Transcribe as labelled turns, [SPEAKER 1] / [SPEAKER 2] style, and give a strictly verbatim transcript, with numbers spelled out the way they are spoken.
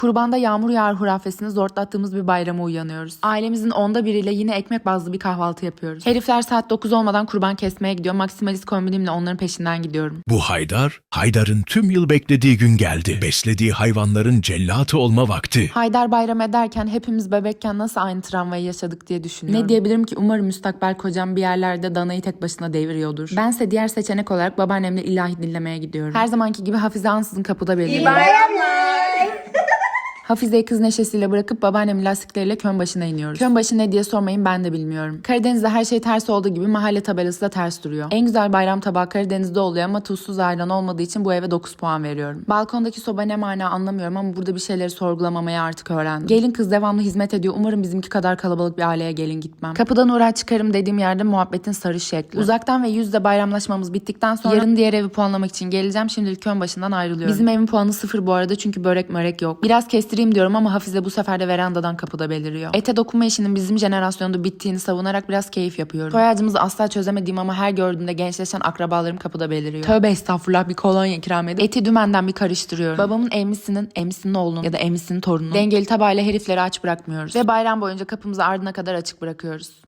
[SPEAKER 1] Kurbanda yağmur yağar hurafesini zortlattığımız bir bayrama uyanıyoruz. Ailemizin onda biriyle yine ekmek bazlı bir kahvaltı yapıyoruz. Herifler saat dokuz olmadan kurban kesmeye gidiyor. Maksimalist kombinimle onların peşinden gidiyorum.
[SPEAKER 2] Bu Haydar, Haydar'ın tüm yıl beklediği gün geldi. Beslediği hayvanların cellatı olma vakti.
[SPEAKER 1] Haydar bayram ederken hepimiz bebekken nasıl aynı travmayı yaşadık diye düşünüyorum. Ne diyebilirim ki, umarım müstakbel kocam bir yerlerde danayı tek başına deviriyordur. Bense diğer seçenek olarak babaannemle ilahi dinlemeye gidiyorum. Her zamanki gibi Hafize ansızın kapıda beliriyor.
[SPEAKER 3] İyi bayramlar.
[SPEAKER 1] Hafize'yi kız neşesiyle bırakıp babaannemin lastikleriyle kön başına iniyoruz. Kön başı ne diye sormayın, ben de bilmiyorum. Karadeniz'de her şey ters olduğu gibi mahalle tabelası da ters duruyor. En güzel bayram tabağı Karadeniz'de oluyor ama tuzsuz ayran olmadığı için bu eve dokuz puan veriyorum. Balkondaki soba ne mana anlamıyorum ama burada bir şeyleri sorgulamamayı artık öğrendim. Gelin kız devamlı hizmet ediyor. Umarım bizimki kadar kalabalık bir aileye gelin gitmem. Kapıdan uğrar çıkarım dediğim yerde muhabbetin sarı şekli. Uzaktan ve yüzde bayramlaşmamız bittikten sonra yarın diğer evi puanlamak için geleceğim. Şimdilik kön başından ayrılıyorum. Bizim evin puanı sıfır bu arada çünkü börek mörek yok. Biraz kestireyim diyorum ama Hafize bu sefer de verandadan kapıda beliriyor. Ete dokunma işinin bizim jenerasyonda bittiğini savunarak biraz keyif yapıyorum. Soy ağacımızı asla çözemediğim ama her gördüğümde gençleşen akrabalarım kapıda beliriyor. Tövbe estağfurullah, bir kolonya ikram edip eti dümenden bir karıştırıyorum. Babamın emmisinin, emmisinin oğlunun ya da emmisinin torununun dengeli tabağıyla herifleri aç bırakmıyoruz. Ve bayram boyunca kapımızı ardına kadar açık bırakıyoruz.